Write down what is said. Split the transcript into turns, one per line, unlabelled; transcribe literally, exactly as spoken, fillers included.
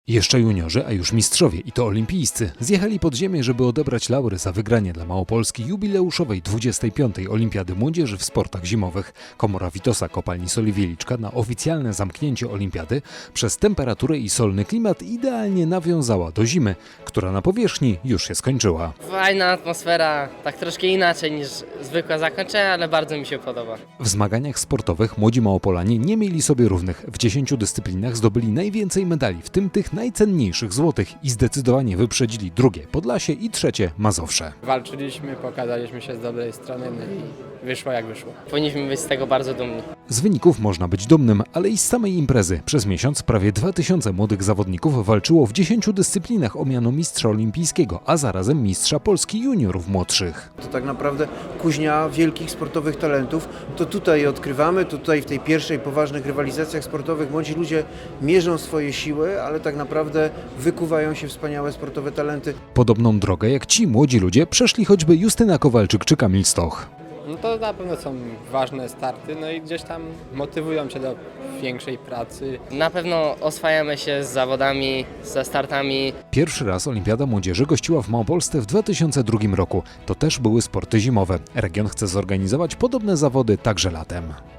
Jeszcze juniorzy, a już mistrzowie i to olimpijscy zjechali pod ziemię, żeby odebrać laury za wygranie dla Małopolski jubileuszowej dwudziestej piątej Olimpiady Młodzieży w sportach zimowych. Komora Witosa kopalni Soli Wieliczka na oficjalne zamknięcie olimpiady przez temperaturę i solny klimat idealnie nawiązała do zimy, która na powierzchni już się skończyła.
Fajna atmosfera, tak troszkę inaczej niż zwykłe zakończenie, ale bardzo mi się podoba.
W zmaganiach sportowych młodzi Małopolanie nie mieli sobie równych. W dziesięciu dyscyplinach zdobyli najwięcej medali, w tym tych najcenniejszych złotych i zdecydowanie wyprzedzili drugie Podlasie i trzecie Mazowsze.
Walczyliśmy, pokazaliśmy się z dobrej strony no i wyszło jak wyszło.
Powinniśmy być z tego bardzo dumni.
Z wyników można być dumnym, ale i z samej imprezy. Przez miesiąc prawie dwa tysiące młodych zawodników walczyło w dziesięciu dyscyplinach o miano mistrza olimpijskiego, a zarazem mistrza Polski juniorów młodszych.
To tak naprawdę kuźnia wielkich sportowych talentów. To tutaj odkrywamy, to tutaj w tej pierwszej poważnych rywalizacjach sportowych młodzi ludzie mierzą swoje siły, ale tak naprawdę wykuwają się wspaniałe sportowe talenty.
Podobną drogę jak ci młodzi ludzie przeszli choćby Justyna Kowalczyk czy Kamil Stoch.
No to na pewno są ważne starty, no i gdzieś tam motywują cię do większej pracy.
Na pewno oswajamy się z zawodami, ze startami.
Pierwszy raz Olimpiada Młodzieży gościła w Małopolsce w dwa tysiące drugim roku. To też były sporty zimowe. Region chce zorganizować podobne zawody także latem.